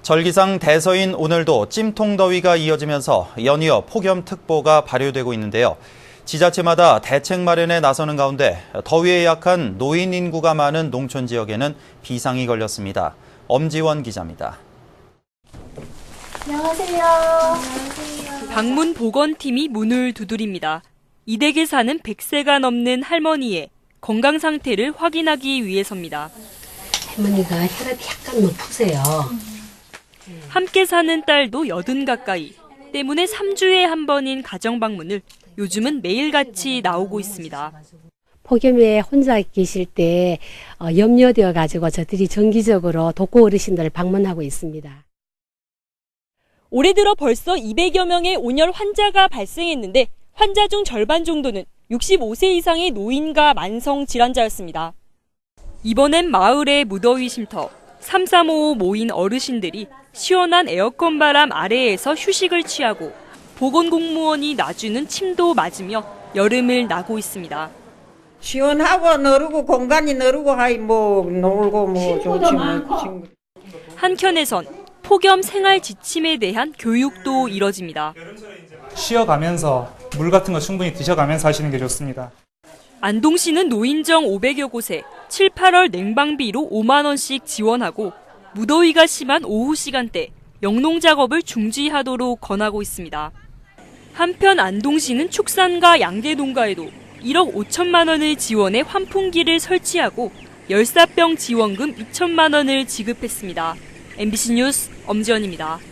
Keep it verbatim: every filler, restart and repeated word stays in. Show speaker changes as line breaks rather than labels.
절기상 대서인 오늘도 찜통더위가 이어지면서 연이어 폭염특보가 발효되고 있는데요. 지자체마다 대책 마련에 나서는 가운데 더위에 약한 노인 인구가 많은 농촌 지역에는 비상이 걸렸습니다. 엄지원 기자입니다.
안녕하세요. 안녕하세요.
방문 보건팀이 문을 두드립니다. 이 댁에 사는 백 세가 넘는 할머니의 건강 상태를 확인하기 위해서입니다.
할머니가 혈압이 약간 높으세요.
함께 사는 딸도 여든 가까이. 때문에 삼 주에 한 번인 가정 방문을 요즘은 매일같이 나오고 있습니다.
폭염에 혼자 계실 때 염려되어 가지고 저들이 정기적으로 독거 어르신들을 방문하고 있습니다.
올해 들어 벌써 이백여 명의 온열 환자가 발생했는데 환자 중 절반 정도는 육십오 세 이상의 노인과 만성 질환자였습니다. 이번엔 마을의 무더위 쉼터 삼삼오오 모인 어르신들이 시원한 에어컨 바람 아래에서 휴식을 취하고 보건공무원이 놔주는 침도 맞으며 여름을 나고 있습니다.
시원하고 너르고 공간이 너르고 하이 뭐 놀고 뭐 좋지 뭐.
한켠에선 폭염 생활 지침에 대한 교육도 이뤄집니다.
쉬어가면서 물 같은 거 충분히 드셔가면서 하시는 게 좋습니다.
안동시는 노인정 오백여 곳에 칠, 팔월 냉방비로 오만 원씩 지원하고 무더위가 심한 오후 시간대 영농 작업을 중지하도록 권하고 있습니다. 한편 안동시는 축산과 양계 농가에도 일억 오천만 원을 지원해 환풍기를 설치하고 열사병 지원금 이천만 원을 지급했습니다. 엠비씨 뉴스 엄지연입니다.